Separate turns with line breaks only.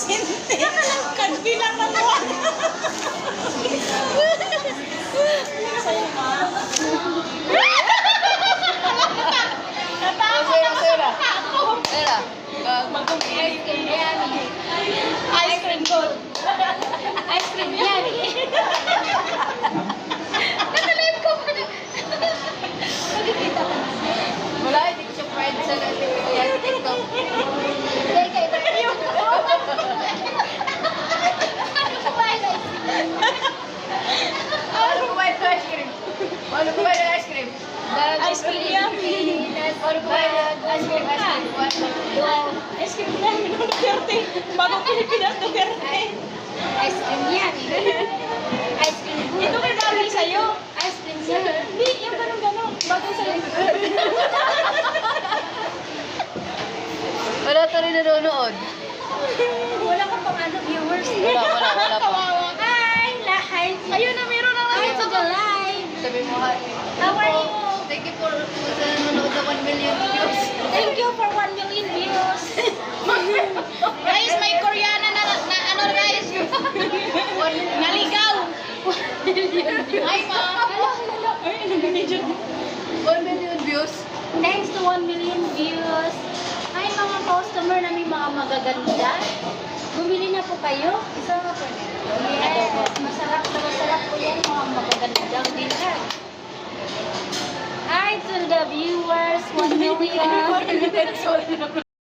Sente. Kagbilang ng buwan. Sa'yo, ma. Natakot ako sa mata ko.
Ice cream yan.
Ice cream gold.
Ice cream yan. Nakalive ko pa na. Magkikita ko na.
Wala, hindi ko siya friend sa TikTok.
Hindi, kayo ba? Ano kumain na ice cream?
Ano kumain ng ice cream? Ano kumain ng ice cream?
Ice cream yan.
Ano kumain ng ice cream?
Ice cream yan. Minong Duterte. Bagong Pilipinas, Duterte.
Ice cream yan. Ice cream good.
Ito may bagay sa'yo.
Ice cream yan.
Hindi, yung ganun-ganun. Bagay sa'yo.
Wala to rin nanonood.
Wala ka pang ano, viewers.
Wala pa.
Kawawa.
Hi, lahat.
Ayun na, meron na
Hi
lang.
to the live.
Sabi mo, hi.
How are you?
Thank you for sa nanonood na 1 million views.
Thank you for 1 million views.
Guys, may Koreana na ano guys. Naligaw. Ay, ma. Ay, ano ba niya dyan?
1 million views.
Thanks to 1 million views. Hi mga customer na may mga magaganda. Bumili na po kayo.
Isa nga po.
Yes, masarap po yan mga magagandang dinner. Hi to the viewers, 1 million.